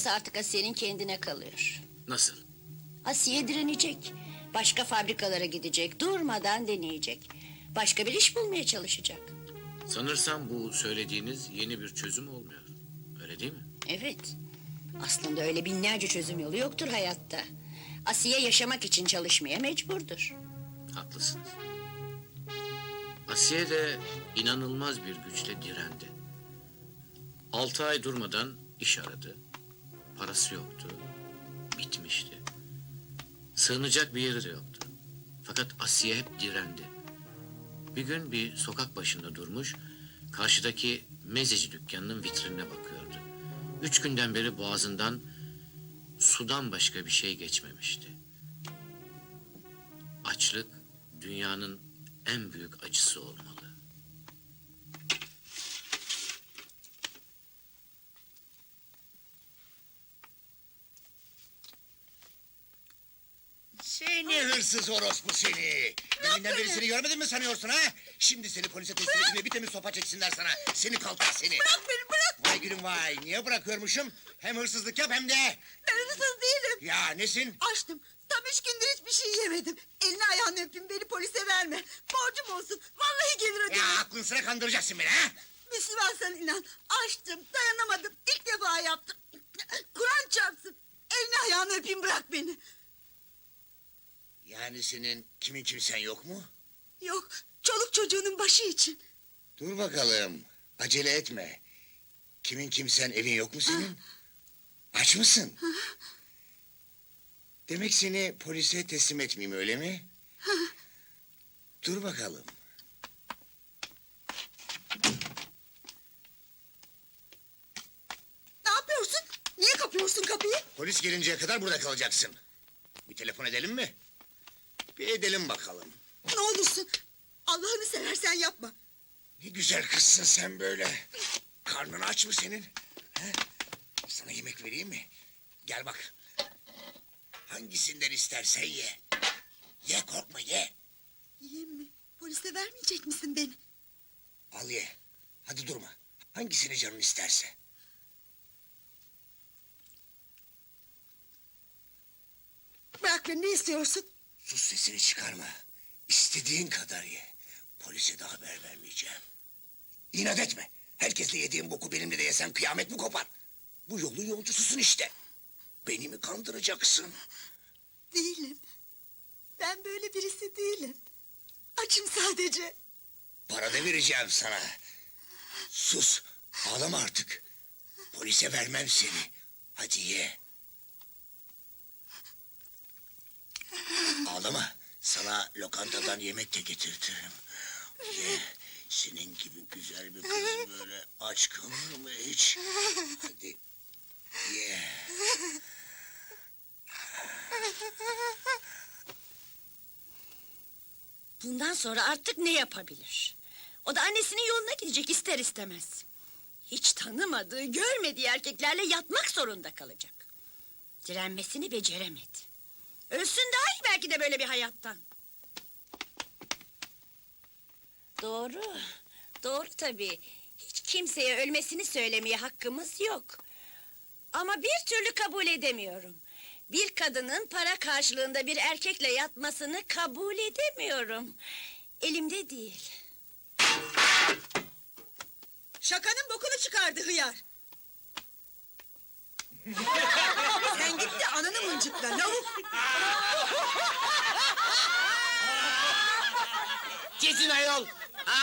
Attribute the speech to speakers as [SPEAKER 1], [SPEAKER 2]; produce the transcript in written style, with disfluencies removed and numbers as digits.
[SPEAKER 1] Burası artık Asiye'nin kendine kalıyor.
[SPEAKER 2] Nasıl?
[SPEAKER 1] Asiye direnecek. Başka fabrikalara gidecek. Durmadan deneyecek. Başka bir iş bulmaya çalışacak.
[SPEAKER 2] Sanırsam bu söylediğiniz yeni bir çözüm olmuyor. Öyle değil mi?
[SPEAKER 1] Evet. Aslında öyle binlerce çözüm yolu yoktur hayatta. Asiye yaşamak için çalışmaya mecburdur.
[SPEAKER 2] Haklısınız. Asiye de inanılmaz bir güçle direndi. 6 ay durmadan iş aradı. Parası yoktu. Bitmişti. Sığınacak bir yeri de yoktu. Fakat Asiye hep direndi. Bir gün bir sokak başında durmuş, karşıdaki mezeci dükkanının vitrinine bakıyordu. 3 günden beri boğazından sudan başka bir şey geçmemişti. Açlık dünyanın en büyük acısı olmalı.
[SPEAKER 3] Seni hırsız orospu seni! Deminden beri seni görmedim mi sanıyorsun ha? Şimdi seni polise teslim edeyim de bir temiz sopa çeksinler sana. Seni kaltak seni!
[SPEAKER 4] Bırak beni bırak.
[SPEAKER 3] Vay gülüm vay! Niye bırakıyormuşum? Hem hırsızlık yap hem de...
[SPEAKER 4] Ben hırsız değilim.
[SPEAKER 3] Ya nesin?
[SPEAKER 4] Açtım. Tam 3 gündür hiçbir şey yemedim. Elini ayağını öpeyim, beni polise verme. Borcum olsun. Vallahi gelir öderim.
[SPEAKER 3] Ya aklın sıra kandıracaksın beni ha?
[SPEAKER 4] Müslümansan inan. Açtım, dayanamadım. İlk defa yaptım. Kur'an çarpsın. Elini ayağını öpeyim, bırak beni.
[SPEAKER 3] Yani senin kimin kimsen yok mu?
[SPEAKER 4] Yok, çoluk çocuğunun başı için.
[SPEAKER 3] Dur bakalım. Acele etme. Kimin kimsen evin yok mu senin? Aç mısın? Demek seni polise teslim etmeyeyim öyle mi? Dur bakalım.
[SPEAKER 4] Ne yapıyorsun? Niye kapıyorsun kapıyı?
[SPEAKER 3] Polis gelinceye kadar burada kalacaksın. Bir telefon edelim mi? Bir edelim bakalım.
[SPEAKER 4] Ne olursun. Allah'ını seversen yapma.
[SPEAKER 3] Ne güzel kızsın sen böyle. Karnın aç mı senin? He? Sana yemek vereyim mi? Gel bak. Hangisinden istersen ye. Ye korkma ye.
[SPEAKER 4] Yiyeyim mi? Polise vermeyecek misin beni?
[SPEAKER 3] Al ye. Hadi durma. Hangisini canın isterse.
[SPEAKER 4] Bırak beni, ne istiyorsun?
[SPEAKER 3] Sus sesini çıkarma. İstediğin kadar ye. Polise de haber vermeyeceğim. İnat etme. Herkesle yediğin boku benimle de yesen kıyamet mi kopar? Bu yolun yolcususun işte. Beni mi kandıracaksın?
[SPEAKER 4] Değilim. Ben böyle birisi değilim. Açım sadece.
[SPEAKER 3] Para da vereceğim sana. Sus. Ağlama artık. Polise vermem seni. Hadi ye. Ağlama. Sana lokantadan yemek de getirtirim. Ye. Senin gibi güzel bir kız böyle aç kalır mı hiç? Hadi ye.
[SPEAKER 1] Bundan sonra artık ne yapabilir? O da annesinin yoluna gidecek ister istemez. Hiç tanımadığı, görmediği erkeklerle yatmak zorunda kalacak. Direnmesini beceremedi. Ölsün daha iyi belki de böyle bir hayattan. Doğru, doğru tabii. Hiç kimseye ölmesini söylemeye hakkımız yok. Ama bir türlü kabul edemiyorum. Bir kadının para karşılığında bir erkekle yatmasını kabul edemiyorum. Elimde değil.
[SPEAKER 4] Şakanın bokunu çıkardı hıyar. Sen git de ananı mıncıkla lavuk.
[SPEAKER 5] Kesin ayol.